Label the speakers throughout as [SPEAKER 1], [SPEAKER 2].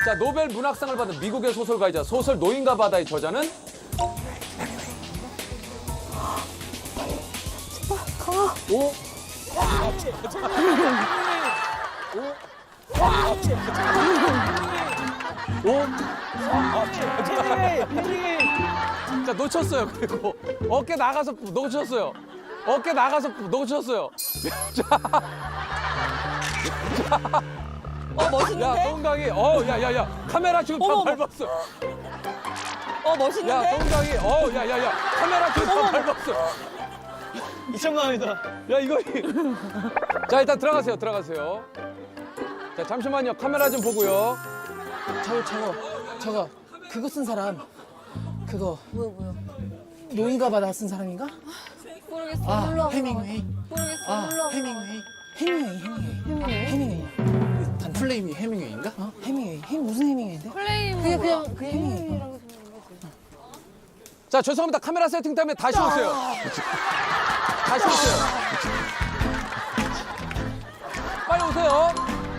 [SPEAKER 1] 자, 노벨 문학상을 받은 미국의 소설가이자 소설 노인과 바다의 저자는 오. 오. 자, 놓쳤어요. 그리고 어깨 나가서 놓쳤어요. 어깨 나가서 놓쳤어요.
[SPEAKER 2] 멋있는데?
[SPEAKER 1] 야, 동강이, 야, 카메라 지금 다
[SPEAKER 2] 어머.
[SPEAKER 1] 밟았어.
[SPEAKER 2] 멋있는데?
[SPEAKER 1] 야, 동강이, 야, 카메라 지금 다 밟았어.
[SPEAKER 3] 2,000만원이다.
[SPEAKER 1] 야, 이거. 자, 일단 들어가세요. 자, 잠시만요. 카메라 좀 보고요.
[SPEAKER 4] 저거 그거 쓴 사람 그거
[SPEAKER 2] 뭐야?
[SPEAKER 4] 노인과 바다 쓴 사람인가?
[SPEAKER 2] 모르겠어.
[SPEAKER 4] 아
[SPEAKER 2] 놀러 와봐.
[SPEAKER 4] 해밍웨이
[SPEAKER 2] 모르겠어.
[SPEAKER 4] 아
[SPEAKER 2] 놀러 와봐.
[SPEAKER 4] 해밍웨이 단 플레임이 해밍웨이인가? 해밍웨이 무슨 해밍웨이인데?
[SPEAKER 2] 플레임
[SPEAKER 4] 그냥
[SPEAKER 2] 해밍이라고
[SPEAKER 1] 자, 죄송합니다. 카메라 세팅 때문에 다시 오세요. 다시 오세요. 빨리 오세요.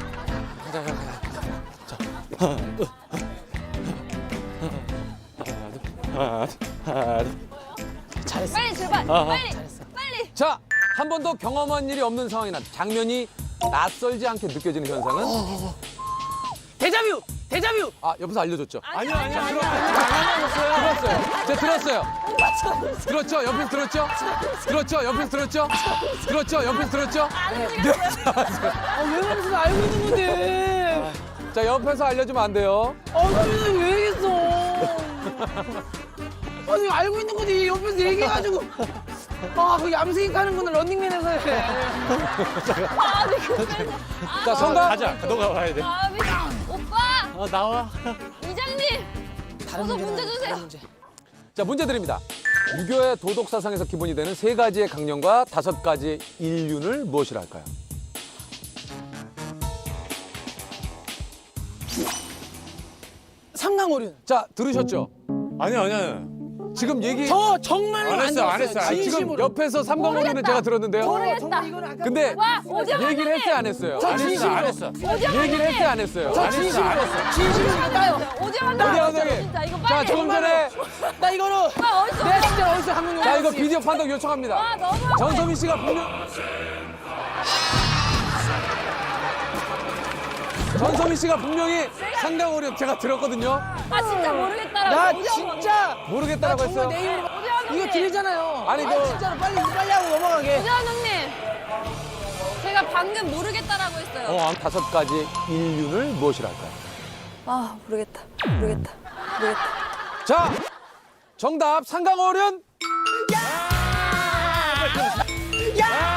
[SPEAKER 4] 잘했어.
[SPEAKER 2] 빨리 출발. 빨리.
[SPEAKER 1] 자, 한 번도 경험한 일이 없는 상황이나 장면이 낯설지 않게 느껴지는 현상은?
[SPEAKER 4] 데자뷰.
[SPEAKER 1] 아, 옆에서 알려줬죠?
[SPEAKER 3] 아니야.
[SPEAKER 1] 들었어요. 제가 들었어요. 들었죠? 옆에서 들었죠? 들었죠? 옆에서 들었죠? 들었죠? 옆에서 들었죠?
[SPEAKER 4] 왜 그러면서 알고 있는 건데?
[SPEAKER 1] 자, 옆에서 알려주면 안 돼요.
[SPEAKER 4] 그러면 왜 얘기했어? 아니 알고 있는 건데 옆에서 얘기해가지고 그 얌생이 가는 거는 런닝맨에서 해.
[SPEAKER 2] 아니 근데
[SPEAKER 1] 자, 성가.
[SPEAKER 3] 가자. 너가 와야 돼.
[SPEAKER 2] 오빠
[SPEAKER 3] 나와.
[SPEAKER 2] 이장님
[SPEAKER 4] 다른
[SPEAKER 2] 어서
[SPEAKER 4] 문제는
[SPEAKER 2] 문제 주세요.
[SPEAKER 4] 다른 문제.
[SPEAKER 1] 자, 문제 드립니다. 유교의 도덕 사상에서 기본이 되는 3가지의 강령과 5가지의 인륜을 무엇이라 할까요?
[SPEAKER 4] 삼강오륜.
[SPEAKER 1] 자, 들으셨죠?
[SPEAKER 3] 아니야.
[SPEAKER 1] 지금 얘기
[SPEAKER 4] 저 정말로
[SPEAKER 3] 안
[SPEAKER 4] 안
[SPEAKER 3] 했어,
[SPEAKER 4] 들었어요.
[SPEAKER 3] 안 했어.
[SPEAKER 1] 지금
[SPEAKER 4] 진심으로.
[SPEAKER 1] 옆에서 삼강오륜은 제가 들었는데요.
[SPEAKER 2] 모르겠다.
[SPEAKER 4] 이거는 아까
[SPEAKER 1] 근데
[SPEAKER 2] 와 오징어
[SPEAKER 1] 얘기를 했어요, 안 했어요?
[SPEAKER 4] 저 진심으로.
[SPEAKER 3] 안 했어.
[SPEAKER 1] 얘기를 했어요, 안 했어요?
[SPEAKER 4] 저 진심으로. 진심으로 나요.
[SPEAKER 2] 오징어
[SPEAKER 1] 어디
[SPEAKER 2] 나왔어
[SPEAKER 1] 감독님?
[SPEAKER 2] 진짜 이거
[SPEAKER 1] 자,
[SPEAKER 2] 빨리.
[SPEAKER 1] 조금 전에
[SPEAKER 4] 나 이거는
[SPEAKER 2] 오빠 어디서
[SPEAKER 4] 내가 진짜 어디서 한번
[SPEAKER 1] 자, 이거 비디오 판독 요청합니다.
[SPEAKER 2] 와 너무
[SPEAKER 1] 전소민 씨가 분명 전소민 씨가 분명히 상강오륜 제가 들었거든요.
[SPEAKER 2] 아 진짜 모르겠다라고.
[SPEAKER 4] 나
[SPEAKER 2] 오징어
[SPEAKER 4] 진짜
[SPEAKER 1] 모르겠다라고
[SPEAKER 4] 정말
[SPEAKER 1] 했어요.
[SPEAKER 4] 내 입으로
[SPEAKER 2] 감독님.
[SPEAKER 4] 이거 들리잖아요.
[SPEAKER 1] 아니,
[SPEAKER 4] 진짜로 빨리 하고 넘어가게.
[SPEAKER 2] 오징어 감독님 제가 방금 모르겠다라고 했어요.
[SPEAKER 1] 5가지 인륜을 무엇이라 할까요?
[SPEAKER 2] 아 모르겠다.
[SPEAKER 1] 자, 정답 상강오륜.
[SPEAKER 4] 야!